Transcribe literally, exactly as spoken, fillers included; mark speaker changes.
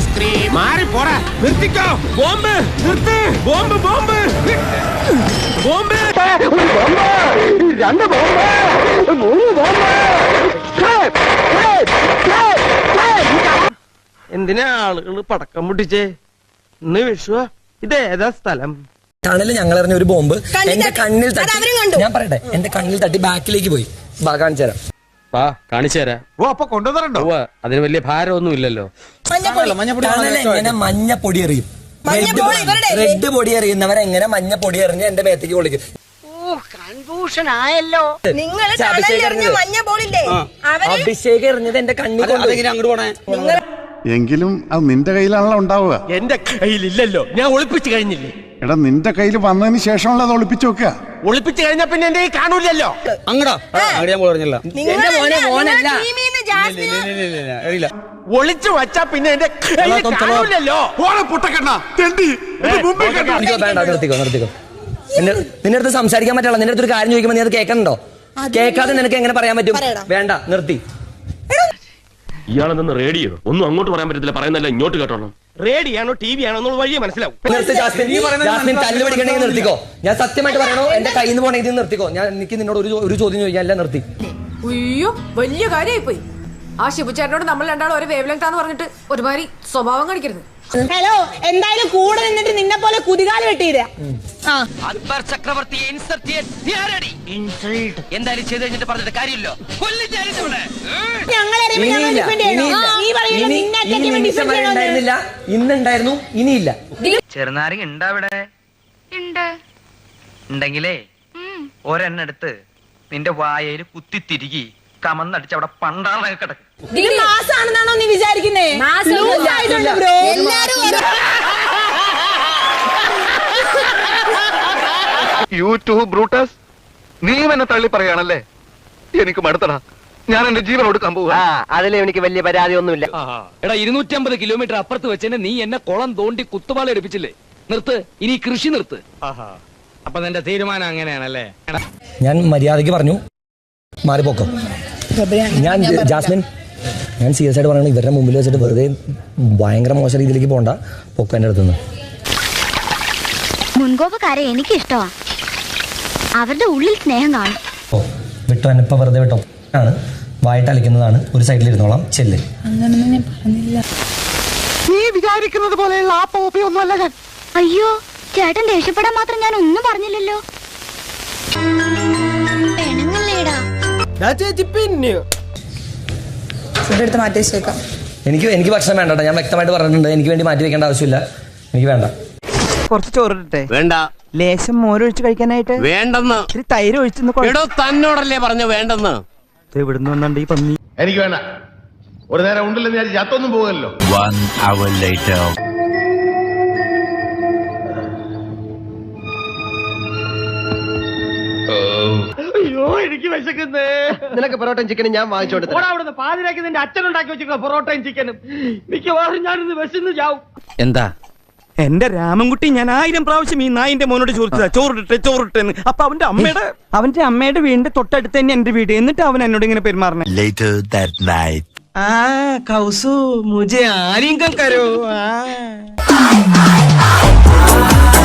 Speaker 1: Ice cream മാറി പോടാ. നിർത്തിക്കോ. ബോംബ് നിർത്ത്. ബോംബ് ബോംബ് ബോംബ്
Speaker 2: രണ്ട് ബോംബ് മൂന്ന് ബോംബ്.
Speaker 1: എന്തിനാ ആളുകൾ പടക്കം പൊട്ടിച്ചേ? ഇന്ന് വിഷുവാ. ഇതേതാ സ്ഥലം?
Speaker 3: ടണല് ഞങ്ങൾ എറിഞ്ഞ ഒരു ബോംബ് എന്റെ കണ്ണിൽ തട്ടി. ഞാൻ പറയട്ടെ, എന്റെ കണ്ണിൽ തട്ടി ബാക്കിലേക്ക് പോയി. കാണിച്ചു തരാം.
Speaker 4: വാ കാണിച്ചു തരാം.
Speaker 5: ഓ അപ്പൊ കൊണ്ടുവന്നിട്ടുണ്ടോ?
Speaker 4: അതിന് വലിയ ഭാരമൊന്നും ഇല്ലല്ലോ.
Speaker 3: എങ്ങനെ മഞ്ഞ പൊടി എറിയും? റെഡ് പൊടി എറിയുന്നവരെങ്ങനെ മഞ്ഞ പൊടി എറിഞ്ഞ് എന്റെ മേത്തേക്ക് പൊളിക്കും?
Speaker 2: കൺഫ്യൂഷൻ ആയല്ലോ.
Speaker 3: അഭിഷേക് എറിഞ്ഞത് എന്റെ കണ്ണിൽ. അങ്ങോട്ട് പോണേ.
Speaker 6: എങ്കിലും അത് നിന്റെ കയ്യിലാണല്ലോ ഉണ്ടാവുക.
Speaker 1: എന്റെ കയ്യിലില്ലല്ലോ, ഞാൻ ഒളിപ്പിച്ചു കഴിഞ്ഞില്ലേ.
Speaker 6: എടാ നിന്റെ കയ്യിൽ വന്നതിന് ശേഷമുള്ള അത് ഒളിപ്പിച്ചു വെക്കുക.
Speaker 1: ഒളിപ്പിച്ചു കഴിഞ്ഞാ പിന്നെ എന്റെ കയ്യിൽ കാണൂലല്ലോ.
Speaker 4: അങ്ങടാ അങ്ങോട്ട് ഞാൻ പറഞ്ഞില്ല.
Speaker 3: എന്റെ മോനെ മോനല്ല.
Speaker 1: ഒളിച്ചു വച്ചാ പിന്നെ എന്റെ കയ്യിൽ കാണൂലല്ലോ.
Speaker 3: വേണ്ട, നിർത്തിക്കോ നിർത്തിക്കോ. നിന്റെ നിന്റെ അടുത്ത് സംസാരിക്കാൻ പറ്റില്ല. നിന്റെ അടുത്തൊരു കാര്യം ചോദിക്കുമ്പോ നീ അത് കേൾക്കണ്ടോ? കേൾക്കാതെ നിനക്ക് എങ്ങനെ പറയാൻ പറ്റും? വേണ്ട, നിർത്തി.
Speaker 7: ഇയാളെന്ന് റേഡിയോ ഒന്നും അങ്ങോട്ട് പറയാൻ പറ്റത്തില്ല, പറയുന്നല്ല ഇങ്ങോട്ട് കേട്ടോളാം.
Speaker 1: റേഡിയാണോ ടി വി ആണോ എന്നുള്ള വഴിയെ മനസ്സിലാവും.
Speaker 3: ജാസ്മിൻ തല്ല് പിടിക്കണമെങ്കിൽ നിർത്തിക്കോ. ഞാൻ സത്യമായിട്ട് പറയണോ, എന്റെ കയ്യിൽ നിന്ന് പോണെങ്കിൽ നിർത്തിക്കോ. ഞാൻ എനിക്ക് നിന്നോട് ഒരു ഒരു ചോദ്യം ചോദിക്കാൻ. അല്ല, നിർത്തി.
Speaker 8: അയ്യോ, വലിയ കാര്യമായി പോയി. ആ ശിബുചേട്ടനോട് നമ്മൾ രണ്ടാളും ഒരു വേവ് ലെങ്ത് ആന്ന് പറഞ്ഞിട്ട് ഒരുമാതിരി സ്വഭാവം കാണിക്കരുത്.
Speaker 9: ഹലോ, എന്തായാലും കൂടെ നിന്നിട്ട് നിന്നെ പോലെ കുതികാല് വെട്ടിയില്ല.
Speaker 10: അക്ബർ ചക്രവർത്തിയെ ഇൻസൾട്ട് എന്തായാലും ചെയ്ത് കഴിഞ്ഞിട്ട് പറഞ്ഞിട്ട് കാര്യമില്ലോ.
Speaker 3: ഇന്നുണ്ടായിരുന്നു, ഇനിയില്ല.
Speaker 10: ചെറുനാരങ്ങ ഉണ്ടാ ഇവിടെ? ഉണ്ടെങ്കിലേ ഒരെണ്ണം എടുത്ത് നിന്റെ വായയിൽ കുത്തിത്തിരികി കമന്നടിച്ച് അവിടെ പണ്ടാളൊക്കെ കിടക്കും.
Speaker 9: ഇത് മാസാണെന്നാണോ നീ വിചാരിക്കുന്നേ?
Speaker 5: യൂട്യൂബ് ബ്രൂട്ടസ്, നീ എന്നെ തള്ളി പറയാണല്ലേ? എനിക്ക് മടുത്തടാ. ഞാൻ എന്റെ ജീവൻ കൊടുക്കാൻ പോവാ.
Speaker 2: അതിൽ എനിക്ക് വലിയ പരാതി ഒന്നുമില്ല.
Speaker 4: എടാ ഇരുന്നൂറ്റി അമ്പത് കിലോമീറ്റർ അപ്പുറത്ത് വെച്ചെന്നെ നീ എന്നെ കുളം തോണ്ടി കുത്തുപാള എടുപ്പിച്ചില്ലേ? നിർത്ത്, ഇനി കൃഷി നിർത്ത്.
Speaker 1: അപ്പൊ നിന്റെ തീരുമാനം അങ്ങനെയാണല്ലേ?
Speaker 3: ഞാൻ മര്യാദയ്ക്ക് പറഞ്ഞു, മാറിപ്പോക്കോ. ഞാൻ ജാസ്മിൻ, ഞാൻ സീരിയസ് ആയിട്ട് പറയണത്, ഇവരുടെ മുമ്പിൽ വെച്ചിട്ട് വെറുതെ ഭയങ്കര മോശം രീതിയിലേക്ക് പോകണ്ട. പൊക്ക എന്റെ അടുത്തുനിന്ന്.
Speaker 11: മുൻകോപക്കാരെ എനിക്ക് ഇഷ്ടമാ. അവരുടെ ഉള്ളിൽ സ്നേഹം കാണും.
Speaker 3: ഓ വിട്ടോ, എന്നെ ഇപ്പൊ വെറുതെ വിട്ടോ. ആണ് വായിട്ട് അലിക്കുന്നതാണ്. ഒരു സൈഡിൽ ഇരുന്നോളാം. ചെല്ല്.
Speaker 9: അങ്ങനൊന്നും ഞാൻ പറഞ്ഞില്ല.
Speaker 5: നീ വിചാരിക്കുന്നത് പോലെയുള്ള ആ പോപ്പി ഒന്നുമല്ല ഞാൻ.
Speaker 11: അയ്യോ, ചേട്ടൻ ദേഷ്യപ്പെടാൻ മാത്രം ഞാൻ ഒന്നും പറഞ്ഞില്ലല്ലോ.
Speaker 3: എനിക്ക് എനിക്ക് ഭക്ഷണം വേണ്ട. ഞാൻ വ്യക്തമായിട്ട് പറഞ്ഞിട്ടുണ്ട്, എനിക്ക് വേണ്ടി മാറ്റി വെക്കേണ്ട ആവശ്യമില്ല. എനിക്ക് വേണ്ട.
Speaker 2: കുറച്ച് ചോറിട്ടെ?
Speaker 1: വേണ്ട.
Speaker 2: ലേശം മോരൊഴിച്ച് കഴിക്കാനായിട്ട്?
Speaker 1: വേണ്ടെന്ന്.
Speaker 2: ഇത്തിരി തൈര് ഒഴിച്ചെന്ന്.
Speaker 1: തന്നോടല്ലേ പറഞ്ഞു വേണ്ടെന്ന്.
Speaker 2: ഇവിടുന്ന് വന്നുണ്ട് ഈ പന്നി.
Speaker 5: എനിക്ക് വേണ്ട. ഒരു നേരം ഉണ്ടല്ലോ, ഞാൻ ചത്തൊന്നും പോകല്ലോ.
Speaker 1: അയ്യോ, എനിക്ക് വിശക്കുന്നേ.
Speaker 2: നിനക്ക് പൊറോട്ടയും ചിക്കനും ഞാൻ വാങ്ങിച്ചോട്ടെ.
Speaker 1: അവിടുന്ന് പാതിരാക്കി നിന്റെ അച്ഛൻ ഉണ്ടാക്കി വെച്ചിരിക്കുന്ന പൊറോട്ടയും ചിക്കനും മിക്കവാറും ഞാനിന്ന് വിശന്ന് ചാവും.
Speaker 4: എന്താ
Speaker 2: എന്റെ രാമൻകുട്ടി, ഞാൻ ആയിരം പ്രാവശ്യം ഈ നായിന്റെ മോനോട് ചോദിച്ചതാ ചോറിട്ടെ ചോറിട്ടെന്ന്. അപ്പൊ അവന്റെ അമ്മയുടെ അവന്റെ അമ്മയുടെ വീടിന്റെ തൊട്ടടുത്ത് തന്നെ എന്റെ വീട്. എന്നിട്ട് അവൻ എന്നോട് ഇങ്ങനെ പെരുമാറണേ. ആ കൗസു മുझे ആലിംഗം കരോ.